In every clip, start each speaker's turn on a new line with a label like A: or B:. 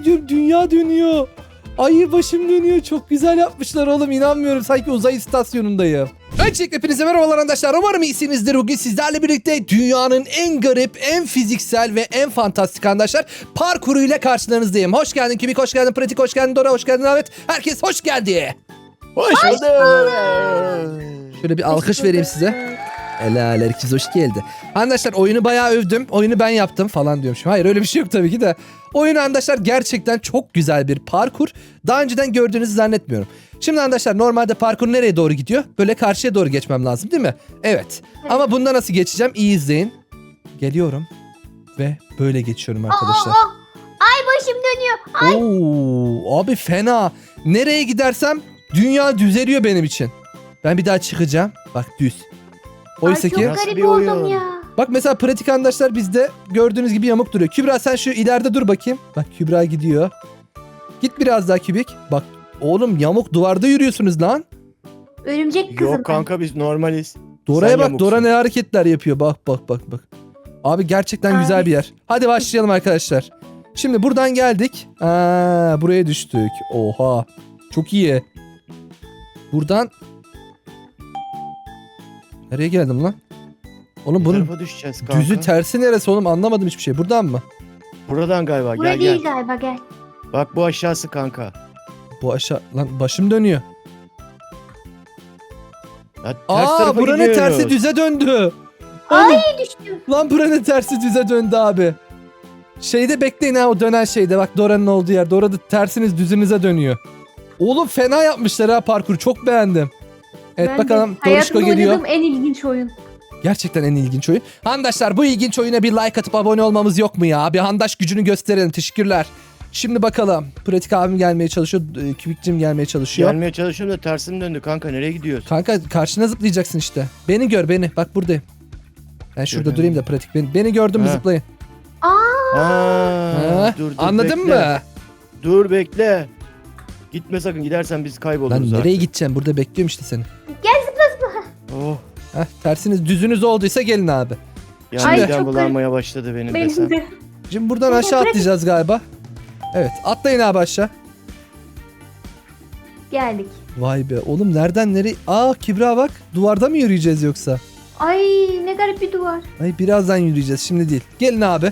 A: ediyorum, dünya dönüyor. Ay başım dönüyor. Çok güzel yapmışlar oğlum. İnanmıyorum. Sanki uzay istasyonundayım. Öncelikle hepinize merhabalar arkadaşlar. Umarım iyisinizdir. Bugün sizlerle birlikte dünyanın en garip, en fiziksel ve en fantastik arkadaşlar parkuruyla karşılarınızdayım. Hoş geldin Kübik, hoş geldin Pratik, hoş geldin Dora, hoş geldin Ahmet. Herkes hoş geldi.
B: Hoş bulduk.
A: Şöyle bir alkış vereyim size. Helal, herkes hoş geldi. Arkadaşlar oyunu bayağı övdüm. Oyunu ben yaptım falan diyormuşum. Hayır, öyle bir şey yok tabii ki de. Oyun arkadaşlar gerçekten çok güzel bir parkur. Daha önceden gördüğünüzü zannetmiyorum. Şimdi arkadaşlar normalde parkur nereye doğru gidiyor? Böyle karşıya doğru geçmem lazım değil mi? Evet. Ama bunda nasıl geçeceğim? İyi izleyin. Geliyorum. Ve böyle geçiyorum arkadaşlar.
C: Ay başım dönüyor.
A: Oo, abi fena. Nereye gidersem dünya düzeliyor benim için. Ben bir daha çıkacağım. Bak düz. Oysa ki...
C: Çok
B: Nasıl
C: garip
B: bir
C: oldum
B: oyun?
C: ya.
A: Bak mesela pratik arkadaşlar bizde gördüğünüz gibi yamuk duruyor. Kübra sen şu ileride dur bakayım. Bak Kübra gidiyor. Git biraz daha Kübik. Bak oğlum yamuk duvarda yürüyorsunuz lan.
C: Örümcek kızım.
B: Yok kanka biz normaliz.
A: Dora'ya
B: Sen
A: bak,
B: yamuksun.
A: Dora ne hareketler yapıyor. Bak bak bak bak. Abi gerçekten
C: Ay.
A: güzel bir yer. Hadi başlayalım arkadaşlar. Şimdi buradan geldik. Buraya düştük. Oha. Çok iyi. Buradan... Nereye geldim lan? Oğlum
B: Bu
A: bunun
B: tarafa düşeceğiz kanka.
A: düzü tersi neresi oğlum, anlamadım hiçbir şey. Buradan mı?
B: Buradan galiba.
C: Buraya
B: Gel
C: değil
B: gel.
C: galiba, gel.
B: Bak bu aşağısı kanka.
A: Bu aşağı... Lan başım dönüyor.
B: Ya, ters tarafa
A: buranın
B: gidiyoruz.
A: tersi düze döndü.
C: Ay düştüm.
A: Lan buranın tersi düze döndü abi. Şeyde bekleyin ha, o dönen şeyde. Bak Dora'nın olduğu yerde. Orada tersiniz düzünüze dönüyor. Oğlum fena yapmışlar ha parkuru. Çok beğendim. Evet
C: Ben
A: bakalım
C: de
A: Doruşko
C: hayatımda
A: geliyor.
C: oynadığım en ilginç oyun.
A: Gerçekten en ilginç oyun. Handaşlar bu ilginç oyuna bir like atıp abone olmamız yok mu ya? Bir handaş gücünü gösterelim. Teşekkürler. Şimdi bakalım. Pratik abim gelmeye çalışıyor. Kübikcim gelmeye çalışıyor.
B: Gelmeye çalışıyorum da tersim döndü kanka. Nereye gidiyoruz?
A: Kanka karşına zıplayacaksın işte. Beni gör beni. Bak buradayım. Ben şurada
B: Göremedim.
A: durayım da pratik. Beni gördün mü
B: Ha.
A: zıplayın.
B: Aa, dur,
A: Anladın
B: bekle.
A: mı?
B: Dur bekle. Gitme sakın, gidersen biz kayboluruz
A: Lan
B: zaten.
A: nereye gideceğim? Burada bekliyorum işte seni.
C: Gel zıpla zıpla.
B: Oh.
A: Heh, tersiniz düzünüz olduysa gelin abi.
B: Yani
C: Ay,
B: midem
C: çok
B: bulanmaya başladı benim desem.
C: Benim de.
A: Şimdi buradan
C: Pratik,
A: aşağı
C: pratik.
A: atlayacağız galiba. Evet atlayın abi aşağı.
C: Geldik.
A: Vay be oğlum nereden nereye? Kübra bak, duvarda mı yürüyeceğiz yoksa?
C: Ay ne garip bir duvar.
A: Ay birazdan yürüyeceğiz, şimdi değil. Gelin abi.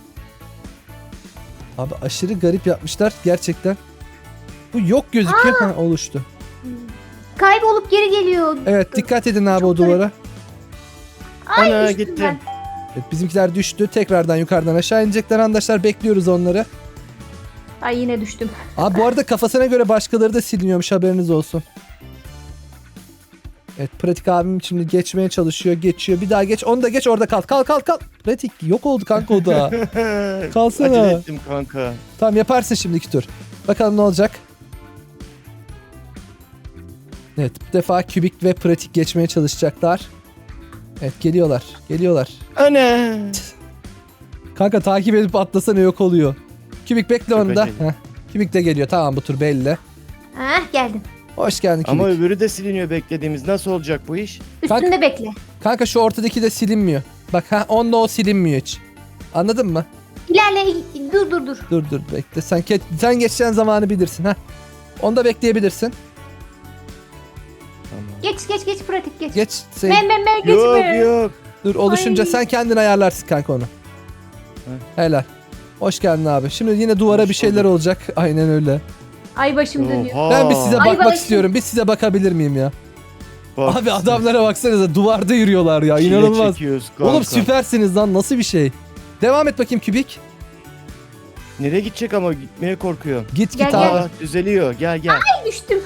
A: Abi aşırı garip yapmışlar gerçekten. Bu yok gözüküyor. Ha, oluştu.
C: Kaybolup geri geliyor.
A: Evet dikkat edin abi
C: Çok
A: o duvara.
C: Ay
B: Ana,
C: düştüm
B: gitti.
C: ben.
A: Evet, bizimkiler düştü. Tekrardan yukarıdan aşağı inecekler arkadaşlar. Bekliyoruz onları.
C: Ay yine düştüm.
A: Abi bu arada kafasına göre başkaları da siliniyormuş, haberiniz olsun. Evet pratik abim şimdi geçmeye çalışıyor. Geçiyor. Bir daha geç. Onu da geç, orada kal. Kal. Pratik yok oldu kanka o da. Kalsana.
B: Acele ettim kanka.
A: Tamam yaparsın şimdiki tur. Bakalım ne olacak. Evet bu defa kübik ve pratik geçmeye çalışacaklar. Evet geliyorlar.
B: Ana.
A: Kanka takip edip atlasana, yok oluyor. Kübik bekle onu da.
B: Köpek.
A: Heh. Kübik de geliyor, tamam bu tur belli.
C: Hah geldim.
A: Hoş geldin Kübik.
B: Ama öbürü de siliniyor beklediğimiz. Nasıl olacak bu iş?
C: Üstünde bekle.
A: Kanka şu ortadaki de silinmiyor. Bak onda o silinmiyor hiç. Anladın mı?
C: İlerle, dur.
A: Dur bekle. Sen geçeceğin zamanı bilirsin ha. Onda bekleyebilirsin.
B: Tamam.
C: Geç pratik geç.
A: Geç. Sen,
C: Ben geçme.
B: Yok.
A: dur oluşunca
C: Ay.
A: sen kendin ayarlarsın kanka onu. Helal. Hoş geldin abi. Şimdi yine duvara
B: Hoş
A: bir şeyler
B: bulduk.
A: olacak. Aynen öyle.
C: Ay başım dönüyor.
B: Oha.
A: Ben bir size
C: Ay,
A: bakmak
C: bana
A: istiyorum. Bir size bakabilir miyim ya?
B: Bak,
A: Abi adamlara baksanıza, duvarda yürüyorlar ya.
B: çile
A: İnanılmaz.
B: çekiyoruz kanka.
A: Oğlum süpersiniz lan, nasıl bir şey? Devam et bakayım Kübik.
B: Nereye gidecek ama gitmeye korkuyorum.
A: Git
C: Gel,
A: abi.
C: gel.
B: Aa, düzeliyor. Gel.
C: Ay düştüm.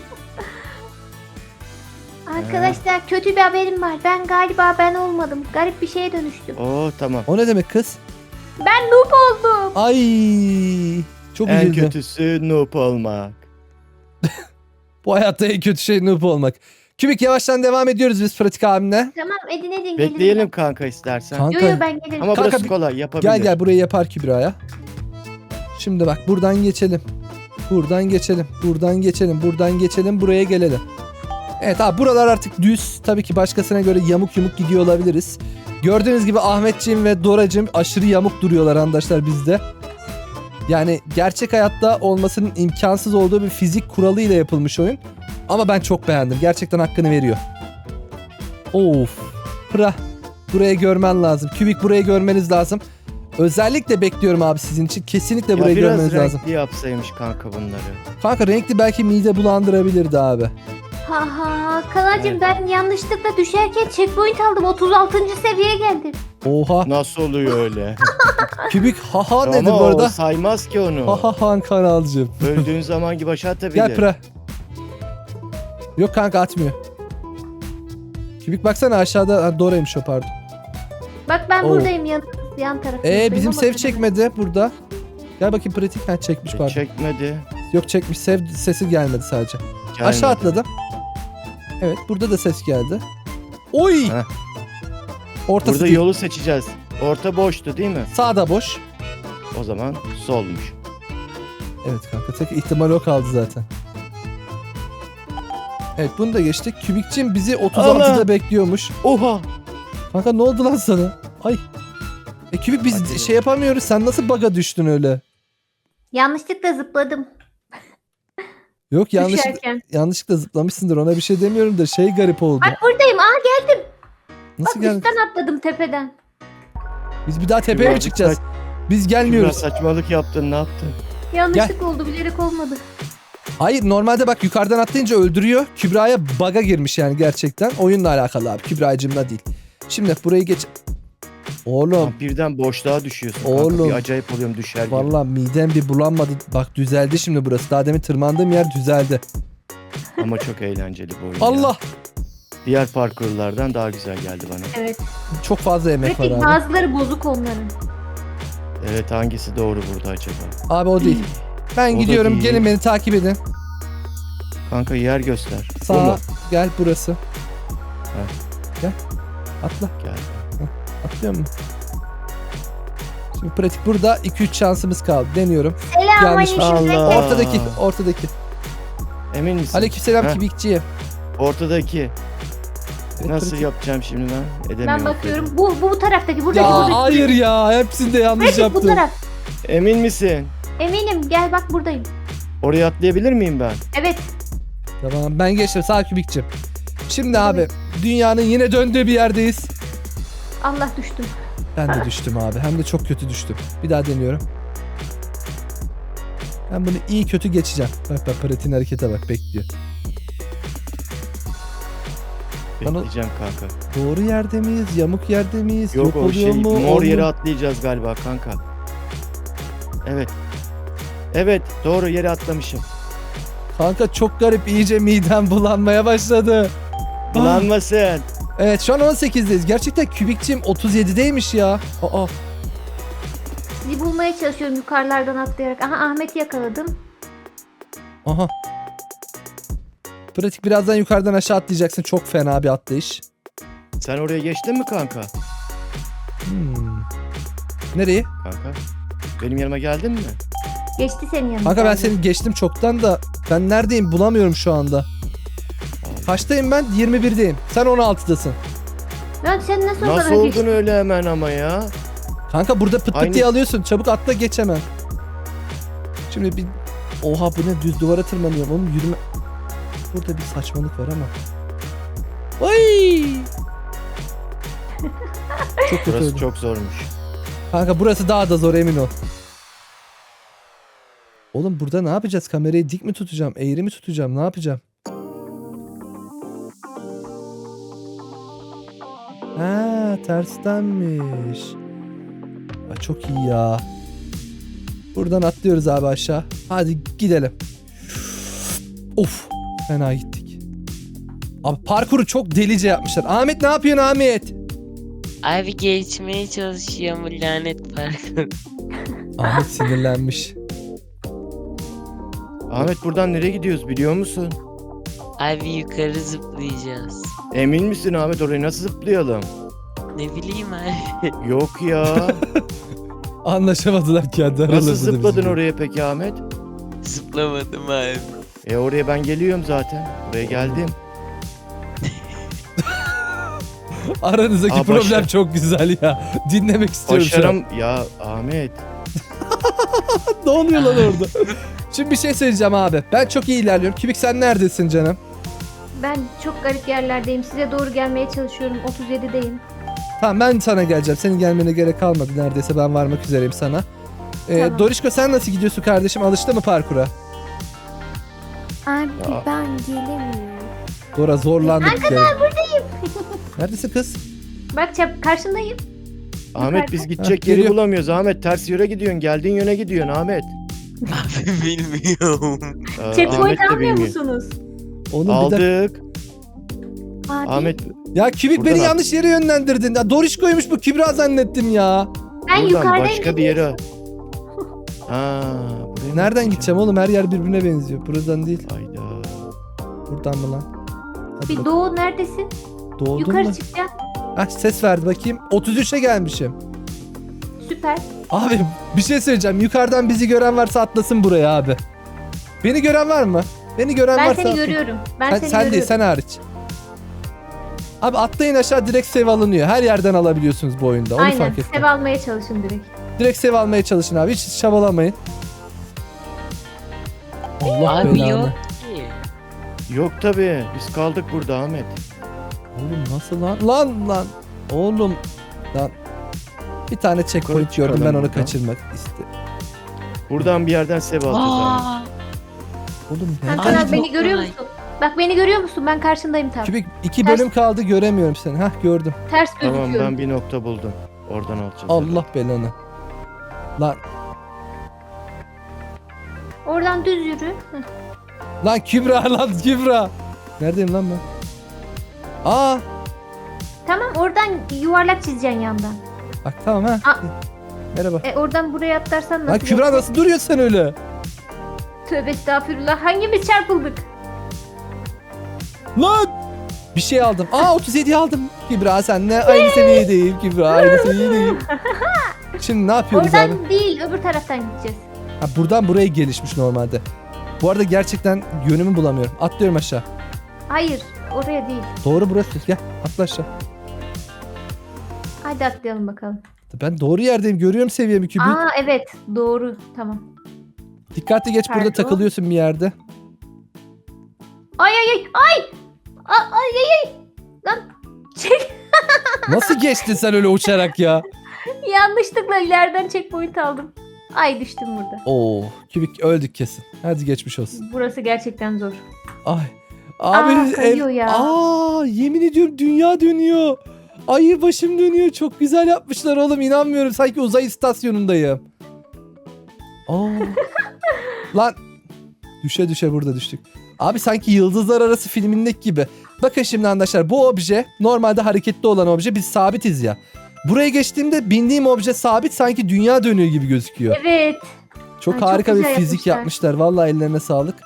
C: Arkadaşlar kötü bir haberim var. Ben olmadım. Garip bir şeye dönüştüm.
B: Oo tamam.
A: O ne demek kız?
C: Ben noob oldum.
A: Ay çok
B: En
A: üzüldüm.
B: kötüsü noob olmak.
A: Bu hayatta en kötü şey noob olmak. Kübik yavaştan devam ediyoruz biz pratik abimle.
C: Tamam edin
B: Bekleyelim kanka istersen.
A: Kanka
C: Yo ben gelirim.
B: Ama
A: Kanka,
B: burası kolay, yapabilir.
A: gel burayı yapar Kübra'ya. Şimdi bak buradan geçelim. Buradan geçelim buraya gelelim. Evet abi buralar artık düz. Tabii ki başkasına göre yamuk gidiyor olabiliriz. Gördüğünüz gibi Ahmetciğim ve Doracığım aşırı yamuk duruyorlar arkadaşlar bizde. Yani gerçek hayatta olmasının imkansız olduğu bir fizik kuralıyla yapılmış oyun. Ama ben çok beğendim. Gerçekten hakkını veriyor. Of. Pıra. Burayı görmen lazım. Kübik burayı görmeniz lazım. Özellikle bekliyorum abi sizin için. Kesinlikle
B: Ya
A: burayı
B: biraz
A: görmeniz lazım.
B: renkli yapsaymış kanka bunları.
A: Kanka renkli belki mide bulandırabilirdi abi.
C: Ha ha Kanacığım
B: Evet.
C: ben yanlışlıkla düşerken checkpoint aldım. 36. seviyeye geldim.
A: Oha.
B: Nasıl oluyor öyle?
A: Kübik haha dedi
B: Ama
A: bu
B: o
A: arada.
B: saymaz ki onu.
A: Haha kanalcığım.
B: Öldüğün zaman gibi aşağı atabilir.
A: Gel Pıra. Yok kanka atmıyor. Kübik baksana aşağıda. Ha, Dora'ymış o pardon.
C: Bak ben
A: Oo.
C: buradayım yan tarafındayım.
A: Bizim
C: ama
A: sev
C: tabii.
A: çekmedi burada. Gel bakayım pratik. Ha çekmiş pardon.
B: Çekmedi.
A: Yok çekmiş. Sev sesi gelmedi sadece.
B: Gelmedi.
A: Aşağı atladım. Evet burada da ses geldi. Oy!
B: Heh.
A: Ortası
B: Burada
A: değil.
B: yolu seçeceğiz. Orta boştu değil mi?
A: Sağda boş.
B: O zaman solmuş.
A: Evet kanka tek ihtimal o kaldı zaten. Evet bunu da geçtik. Kübikçim bizi 36'da
B: Allah!
A: bekliyormuş.
B: Oha!
A: Kanka ne oldu lan sana? Ay. Kübik biz
B: Hadi.
A: şey yapamıyoruz. Sen nasıl bug'a düştün öyle?
C: Yanlışlıkla zıpladım.
A: Yok
C: Düşerken.
A: yanlışlıkla zıplamışsındır. Ona bir şey demiyorum da şey garip oldu.
C: Bak buradayım. geldim.
A: Nasıl
C: Bak
A: geldin?
C: üstten atladım tepeden.
A: Biz bir daha tepeye mi
B: Kübra,
A: çıkacağız? Biz
B: Biraz
A: gelmiyoruz.
B: saçmalık yaptın, ne yaptın?
C: Yanlışlık oldu, bilerek olmadı.
A: Hayır normalde bak yukarıdan atlayınca öldürüyor. Kübra'ya bug'a girmiş yani gerçekten. Oyunla alakalı abi. Kübra'cığımla değil. Şimdi burayı geç. Oğlum.
B: Birden boşluğa düşüyorsun
A: Oğlum.
B: kanka. Bir acayip oluyorum düşer gibi.
A: Vallahi midem bir bulanmadı. Bak düzeldi şimdi burası. Daha demin tırmandığım yer düzeldi.
B: Ama çok eğlenceli bu oyun.
A: Allah.
B: Ya. Diğer parkurlardan daha güzel geldi bana.
C: Evet.
A: Çok fazla emek var
C: Pratik
A: abi.
C: bazıları bozuk onların.
B: Evet, hangisi doğru burada acaba?
A: Abi o değil. Ben
B: O da
A: gidiyorum.
B: değil.
A: Gelin beni takip edin.
B: Kanka yer göster. Bu
A: Sağa
B: mu?
A: gel burası. Gel. Atla.
B: Gel.
A: Atlıyor mu? Şimdi pratik burada 2-3 şansımız kaldı. Deniyorum.
C: Selamünaleyküm.
B: Allah.
A: Ortadaki.
B: Emin misin?
A: Aleykümselam
B: Heh.
A: Kübikçiye.
B: Ortadaki.
A: Evet,
B: Nasıl
A: pratik.
B: yapacağım şimdi ben? Edemiyorum.
C: Ben bakıyorum. Bu taraftaki. Buradaki.
A: Ya
C: buradaki.
A: hayır ya. Hepsinde yanlış
C: Pratik bu
A: yaptım.
C: taraf.
B: Emin misin?
C: Eminim. Gel bak buradayım.
B: Oraya atlayabilir miyim ben?
C: Evet.
A: Tamam ben geçtim. Sağ Kübikçim. Şimdi abi dünyanın yine döndüğü bir yerdeyiz.
C: Allah düştüm.
A: Ben de düştüm abi. Hem de çok kötü düştüm. Bir daha deniyorum. Ben bunu iyi kötü geçeceğim. Bak pratiğin harekete bak bekliyor. Bana-
B: Bekleyeceğim kanka.
A: Doğru yerde miyiz? Yamuk yerde miyiz?
B: Yok o
A: oluyor
B: şey
A: mu?
B: mor
A: Olmuyor.
B: yere atlayacağız galiba kanka. Evet. Evet, doğru yere atlamışım.
A: Kanka çok garip. İyice midem bulanmaya başladı.
B: Bulanmasın.
A: Evet şu an 18'deyiz. Gerçekten Kübikçim 37'deymiş ya. Aa.
C: Sizi bulmaya çalışıyorum yukarılardan atlayarak. Aha Ahmet'i yakaladım.
A: Aha. Pratik birazdan yukarıdan aşağı atlayacaksın. Çok fena bir atlayış.
B: Sen oraya geçtin mi kanka?
A: Nereye?
B: Kanka. Benim yanıma geldin mi?
C: Geçti senin yanına.
A: Kanka ben seni geçtim çoktan da ben neredeyim bulamıyorum şu anda. Kaçtayım ben? 21'deyim. Sen 16'dasın.
C: Lan sen nasıl
B: Nasıl
C: onlara
B: oldun
C: geçtin?
B: öyle hemen ama ya?
A: Kanka burada pıt pıt
B: Aynı-
A: diye alıyorsun. Çabuk atla geç hemen. Şimdi bir... Oha bu ne? Düz duvara tırmanıyorum. Oğlum yürüme... Burada bir saçmalık var ama. Ay! Çok kötü
B: Burası
A: oldu.
B: çok zormuş.
A: Kanka burası daha da zor emin ol. Oğlum burada ne yapacağız? Kamerayı dik mi tutacağım? Eğri mi tutacağım? Ne yapacağım? Ha, terstenmiş. Aa, çok iyi ya. Buradan atlıyoruz abi aşağı. Hadi gidelim. Of, fena gittik. Abi parkuru çok delice yapmışlar. Ahmet ne yapıyorsun Ahmet?
D: Abi geçmeye çalışıyorum bu lanet parkuru.
A: Ahmet sinirlenmiş.
B: Ahmet buradan nereye gidiyoruz biliyor musun?
D: Abi yukarı zıplayacağız.
B: Emin misin Ahmet, oraya nasıl zıplayalım?
D: Ne bileyim abi.
B: Yok ya.
A: Anlaşamadılar kendi aralarında.
B: Nasıl
A: da
B: zıpladın
A: bizim.
B: oraya peki Ahmet?
D: Zıplamadım abi.
B: Oraya ben geliyorum zaten. Oraya geldim.
A: Aranızdaki
B: Aa,
A: problem
B: başla.
A: çok güzel ya. Dinlemek istiyorum şu an.
B: Ya Ahmet.
A: Ne oluyor lan orada? Şimdi bir şey söyleyeceğim abi. Ben çok iyi ilerliyorum. Kübik sen neredesin canım?
C: Ben çok garip yerlerdeyim. Size doğru gelmeye çalışıyorum. 37'deyim.
A: Tamam ben sana geleceğim. Senin gelmene gerek kalmadı. Neredeyse ben varmak üzereyim sana.
C: Tamam.
A: Dorişko sen nasıl gidiyorsun kardeşim? Alıştı mı parkura?
C: Abi
B: Ya.
C: ben gelemiyorum.
A: Dora zorlandık.
C: Arkadan buradayım.
A: Neredesin kız?
C: Bak karşındayım.
B: Ahmet biz
A: Ha,
B: gidecek yeri
A: geliyor.
B: bulamıyoruz. Ahmet ters yöne gidiyorsun. Geldiğin yöne gidiyorsun Ahmet.
D: Abi bilmiyorum.
C: Checkpoint
B: Ahmet de
C: almıyor
B: bilmiyor.
C: musunuz?
A: Oğlum bir dakika.
B: Aldık.
C: Abi.
B: Ahmet
A: Ya Kübik
B: Buradan
A: beni
B: al.
A: yanlış yere yönlendirdin. Ya Dorişko'ymuş bu. Kübra zannettim ya.
C: Ben
B: buradan
C: yukarıdayım.
B: başka bir yere. Ha, buraya mı
A: Nereden gideceğim oğlum? Her yer birbirine benziyor. Buradan değil.
B: Hayda.
A: Buradan mı lan? Hadi
C: Bir
A: bak.
C: Doğu neredesin?
A: Doğdun
C: Yukarı
A: mu?
C: çıkacağım.
A: Ah ses verdi bakayım. 33'e gelmişim.
C: Süper.
A: Abi bir şey söyleyeceğim. Yukarıdan bizi gören varsa atlasın buraya abi. Beni gören var mı? Beni gören
C: Ben
A: varsa
C: seni
A: atlasın.
C: görüyorum. Ben
A: Sen,
C: seni
A: sen değil
C: görüyorum.
A: sen hariç. Abi atlayın aşağı direkt save alınıyor. Her yerden alabiliyorsunuz bu oyunda. Onu
C: Aynen.
A: fark ettim.
C: Sev almaya çalışın direkt.
A: Direkt save almaya çalışın abi. Hiç çabalamayın. Allah
D: Abi
A: belanı.
D: yok ki.
B: Yok tabii. Biz kaldık burada Ahmet.
A: Oğlum nasıl lan? Lan. Oğlum. Lan. Bir tane checkpoint
B: Yukarı
A: gördüm ben
B: çıkalım
A: onu
B: buradan.
A: kaçırmak istedim.
B: Buradan bir yerden sev alacağız Ahmet.
D: Aa,
A: Oğlum
C: Hakan
A: nereden
C: abi beni görüyor
D: kolay.
C: musun? Bak beni görüyor musun? Ben karşındayım tam.
A: Kübik 2
C: Ters-
A: bölüm kaldı göremiyorum seni. Hah gördüm.
C: Ters
B: Tamam
C: gözüküyorum.
B: ben bir nokta buldum. Oradan alacağız.
A: Allah belanı. Lan
C: Oradan düz yürü. Heh.
A: lan Kübra lan Kübra. Neredeyim lan ben? Aa
C: Tamam oradan yuvarlak çizeceksin yandan.
A: bak tamam ha.
C: Aa.
A: Merhaba.
C: Oradan buraya atlarsan nasıl?
A: Lan Kübra nasıl duruyorsun sen öyle?
C: Tövbe estağfurullah. Hangimiz çarpıldık?
A: Lan bir şey aldım. Aa 37 aldım. Kübra senle aynı seviyedeyim. Kübra aynı seviyedeyim. Şimdi ne yapıyoruz abi?
C: Oradan değil öbür taraftan gideceğiz.
A: Ha, buradan buraya gelişmiş normalde. Bu arada gerçekten yönümü bulamıyorum. Atlıyorum aşağı.
C: Hayır oraya değil.
A: Doğru burası. Gel atla aşağı.
C: Hadi atlayalım bakalım.
A: Ben doğru yerdeyim. Görüyorum seviyemi Kübik.
C: Aa evet doğru tamam.
A: Dikkatli geç burada
C: Pardon.
A: takılıyorsun bir yerde.
C: Ay ay ay ay. Ay ay ay. Lan çek.
A: Nasıl geçtin sen öyle uçarak ya?
C: Yanlışlıkla ileriden checkpoint aldım. Ay düştüm burada.
A: Oo, Kübik öldük kesin. Hadi geçmiş olsun.
C: Burası gerçekten zor.
A: Ay. Abi
C: kayıyor ya.
A: Aa, yemin ediyorum dünya dönüyor. Ay başım dönüyor. Çok güzel yapmışlar oğlum. İnanmıyorum. Sanki uzay istasyonundayım. Aa. Lan düşe düşe burada düştük. Abi sanki Yıldızlar Arası filmindeki gibi. Bakın şimdi arkadaşlar bu obje normalde hareketli olan obje, biz sabitiz ya. Buraya geçtiğimde bindiğim obje sabit, sanki dünya dönüyor gibi gözüküyor.
C: Evet.
A: Çok
C: Ay, çok
A: harika bir
C: güzel
A: fizik
C: yapmışlar.
A: yapmışlar. Vallahi ellerine sağlık.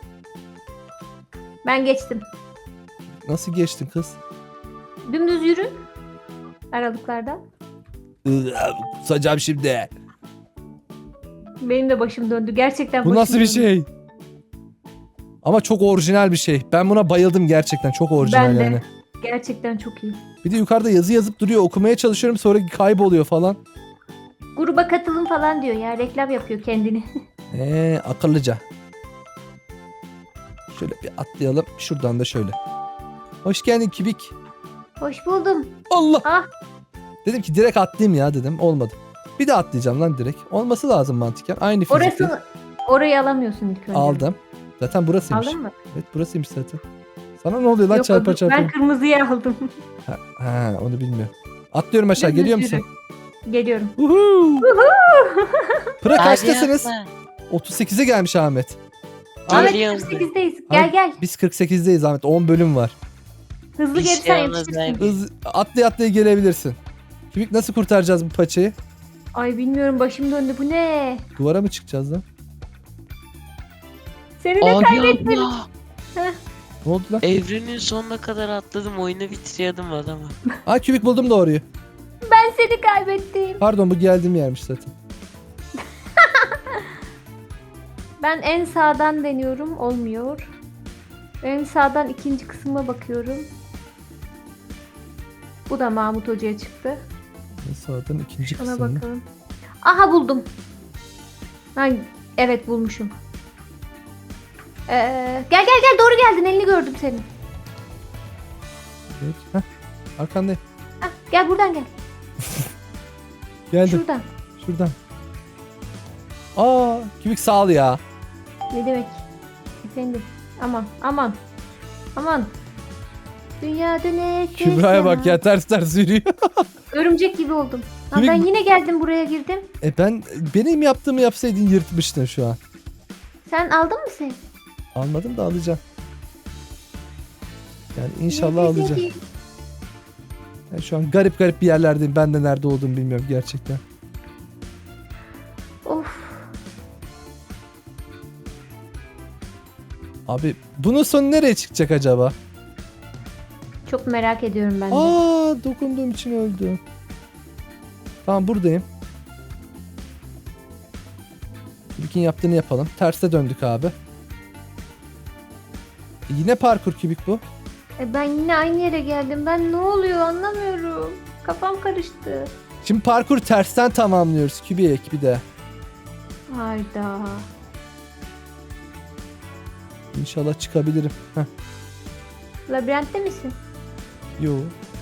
C: Ben geçtim.
A: Nasıl geçtin kız?
C: Dümdüz yürü. Aralıklarda.
A: Kusacağım şimdi.
C: Benim de başım döndü. Gerçekten
A: Bu
C: başım
A: nasıl bir
C: döndü.
A: şey? Ama çok orijinal bir şey. Ben buna bayıldım gerçekten. Çok orijinal
C: Ben de.
A: yani.
C: Gerçekten çok iyi.
A: Bir de yukarıda yazı yazıp duruyor. Okumaya çalışıyorum, sonra kayboluyor falan.
C: Gruba katılın falan diyor ya. Reklam yapıyor kendini.
A: Akıllıca. Şöyle bir atlayalım. Şuradan da şöyle. Hoş geldin Kübik.
C: Hoş buldum.
A: Allah.
C: Ah.
A: Dedim ki direkt atlayayım ya dedim. Olmadı. Bir de atlayacağım lan direkt. Olması lazım mantıken. Aynı fizikte.
C: Orayı alamıyorsun ilk önce.
A: Aldım. Zaten burasıymış.
C: Aldın mı?
A: Evet burasıymış zaten. Sana ne oluyor lan
C: Yok,
A: çarpa çarpa?
C: ben kırmızıyı aldım.
A: Ha, onu bilmiyorum. Atlıyorum aşağı.
C: Dümdüz
A: Geliyor
C: yürü.
A: musun?
C: Geliyorum.
A: Uhu. Pıra
D: Hadi
A: kaçtasınız?
D: atla.
A: 38'e gelmiş Ahmet.
C: Ahmet
D: Geliyorum.
C: 48'deyiz. Gel gel.
A: Biz 48'deyiz Ahmet. 10 bölüm var.
C: Hızlı
D: Bir
C: gelirsen
D: şey olmaz
C: yetişirsin.
D: abi.
A: Atlaya atlaya gelebilirsin. Kübik nasıl kurtaracağız bu paçayı?
C: Ay bilmiyorum başım döndü. Bu ne?
A: Duvara mı çıkacağız lan?
C: Seni de
D: Abi
C: kaybettim.
D: abla.
A: Ne oldu lan?
D: Evrenin sonuna kadar atladım. Oyunu bitiriyordum adamı.
A: Aa Kübik buldum doğruyu.
C: Ben seni kaybettim.
A: Pardon bu geldiğim yermiş zaten.
C: Ben en sağdan deniyorum. Olmuyor. En sağdan ikinci kısma bakıyorum. Bu da Mahmut Hoca'ya çıktı.
A: Sağdan ikinci
C: Şuna
A: kısmı.
C: bakalım. Aha buldum. Ha, evet bulmuşum. Gel doğru geldin, elini gördüm senin.
A: Evet. Heh, arkandayım.
C: Hah, gel buradan gel.
A: Geldim.
C: Şuradan.
A: Şuradan. Aa, kübik sağ ol ya.
C: Ne demek? Efendim. Aman. Dünya dönecek.
A: Kübra'ya bak ya, ters ters yürüyor.
C: Örümcek gibi oldum. Ha,
A: Kübik-
C: ben yine geldim buraya girdim.
A: Benim yaptığımı yapsaydın yırtmıştın şu an.
C: Sen aldın mı sen?
A: Almadım da alacağım. Yani inşallah alacağım. Ben şu an garip bir yerlerdeyim. Ben de nerede olduğumu bilmiyorum gerçekten.
C: Of.
A: Abi bunun sonu nereye çıkacak acaba?
C: Çok merak ediyorum ben de.
A: Aa, dokunduğum için öldü. Tamam, buradayım. Kübik'in yaptığını yapalım. Terse döndük abi. Yine parkur Kübik bu.
C: Ben yine aynı yere geldim. Ben ne oluyor anlamıyorum. Kafam karıştı.
A: Şimdi parkur tersten tamamlıyoruz Kübik bir de.
C: Hayda.
A: İnşallah çıkabilirim. Heh.
C: Labirentte misin?
A: Yo.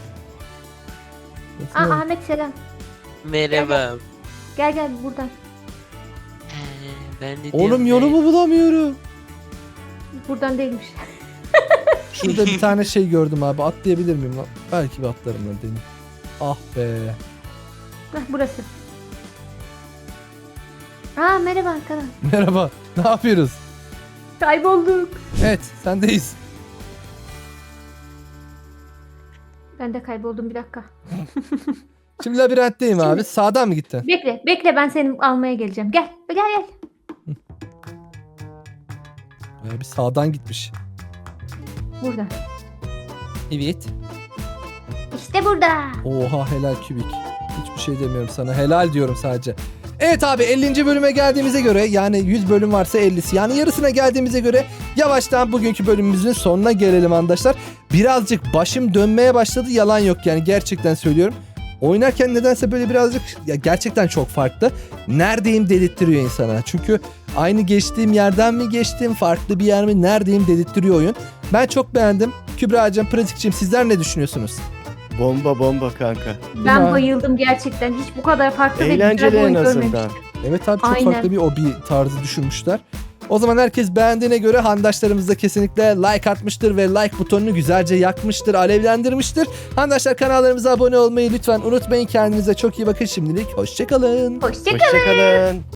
C: Aa, Ahmet selam.
D: Merhaba.
C: Gel buradan.
D: Ben de
A: Oğlum
D: diyorum,
A: yolumu bulamıyorum.
C: Buradan değilmiş.
A: Şurada bir tane şey gördüm abi. Atlayabilir miyim lan? Belki bir atlarım lan deneyim. Ah be.
C: Hah, burası. Aa, merhaba arkadaş.
A: Merhaba. Ne yapıyoruz?
C: Kaybolduk.
A: Evet, sendeyiz.
C: Ben de kayboldum, bir dakika.
A: Şimdi labirentteyim abi. Sağdan mı gittin?
C: Bekle ben seni almaya geleceğim. Gel.
A: Bayağı bir sağdan gitmiş.
C: Burada.
A: Evet.
C: İşte burada.
A: Oha, helal Kübik. Hiçbir şey demiyorum sana. Helal diyorum sadece. Evet abi, 50. bölüme geldiğimize göre, yani 100 bölüm varsa 50'si, yani yarısına geldiğimize göre yavaştan bugünkü bölümümüzün sonuna gelelim arkadaşlar. Birazcık başım dönmeye başladı, yalan yok yani, gerçekten söylüyorum. Oynarken nedense böyle birazcık, ya gerçekten çok farklı. Neredeyim dedirttiriyor insana. Çünkü aynı geçtiğim yerden mi geçtim, farklı bir yer mi, neredeyim dedirttiriyor oyun. Ben çok beğendim. Kübra'cığım, pratikçim, sizler ne düşünüyorsunuz?
B: Bomba kanka.
C: Ben
A: Ya.
C: bayıldım gerçekten. Hiç bu kadar farklı ve güzel
B: Eğlenceli
C: bir
B: en
C: oyun
B: azından.
C: görmemiştim.
A: Evet abi, çok
C: Aynen.
A: farklı bir hobi tarzı düşünmüşler. O zaman herkes beğendiğine göre handaşlarımız da kesinlikle like atmıştır ve like butonunu güzelce yakmıştır, alevlendirmiştir. Handaşlar, kanallarımıza abone olmayı lütfen unutmayın. Kendinize çok iyi bakın şimdilik. Hoşçakalın.
C: Hoşçakalın.
B: Hoşçakalın.